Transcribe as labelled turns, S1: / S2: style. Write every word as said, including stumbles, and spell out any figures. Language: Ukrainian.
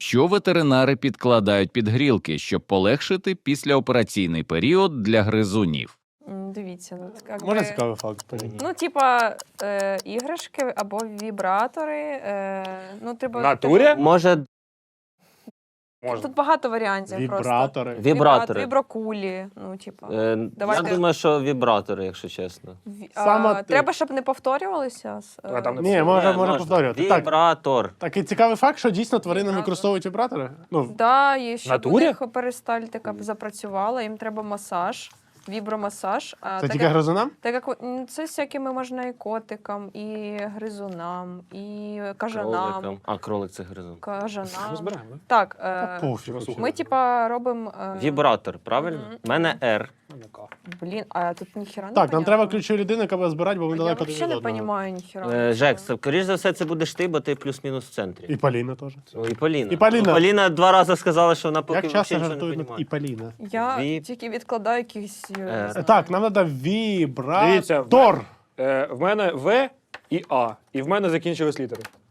S1: Що ветеринари підкладають під грілки, щоб полегшити післяопераційний період для гризунів?
S2: М, Дивіться, ну, як
S3: Можна
S2: би-
S3: цікавий факт порівняти?
S2: Ну, типа, е, іграшки або вібратори. Е, ну, треба,
S4: В натурі?
S5: Може,
S4: Можна.
S2: Тут багато варіантів просто.
S3: Вібратори.
S5: вібратори.
S2: Віброкулі. Ну, типа.
S5: Е,
S2: Давайте.
S5: Я думаю, що вібратори, якщо чесно.
S2: Ві-
S3: Саме
S2: а,
S3: ти.
S2: треба, щоб не повторювалися. з-
S4: А там не
S3: Ні, може,
S5: Ні,
S3: може
S5: можна.
S3: повторювати. Так,
S5: Вібратор.
S3: такий цікавий факт, що дійсно тварини
S2: Вібратор.
S3: використовують вібратори. Ну,
S2: Да, і щоб у
S4: натурі?
S2: них перистальтика запрацювала, їм треба масаж, вібромасаж. А
S3: це
S2: так
S3: тільки
S2: як-
S3: гризунам?
S2: Так як м, це всякими можна і котикам, і гризунам, і кажанам.
S5: Кроликам. А, кролик це гризун.
S2: Кажанам.
S4: Розбираємо, да?
S2: Так,
S3: Та
S2: е,
S3: пофіг.
S2: ми типа робимо. Е,
S5: Вібратор, правильно?
S2: Мгм.
S5: У мене R.
S4: Ну-ка.
S2: Блін, а тут ніхіра не
S3: Так, нам
S2: понятно.
S3: треба ключові людини, яка буде збирати, бо ми
S2: Я
S3: далеко один від
S2: взагалі не
S3: одного.
S2: розумію ніхіра.
S5: Е, Жек, скоріш за все, це будеш ти, бо ти плюс-мінус в центрі.
S3: І Поліна теж.
S5: Ну, і Поліна.
S3: І Поліна.
S5: Ну, Поліна два рази сказала, що вона поки
S3: Як часто
S5: взагалі нічого
S3: жартують
S5: не
S3: над
S5: розуміє.
S3: і Поліна?
S2: Я
S5: Віп.
S2: тільки відкладаю якісь. е, не
S5: Е,
S2: знаю.
S3: Так, нам треба вібратор.
S4: Дивіться, Е, в мене В і А. І в мене закінчились літери.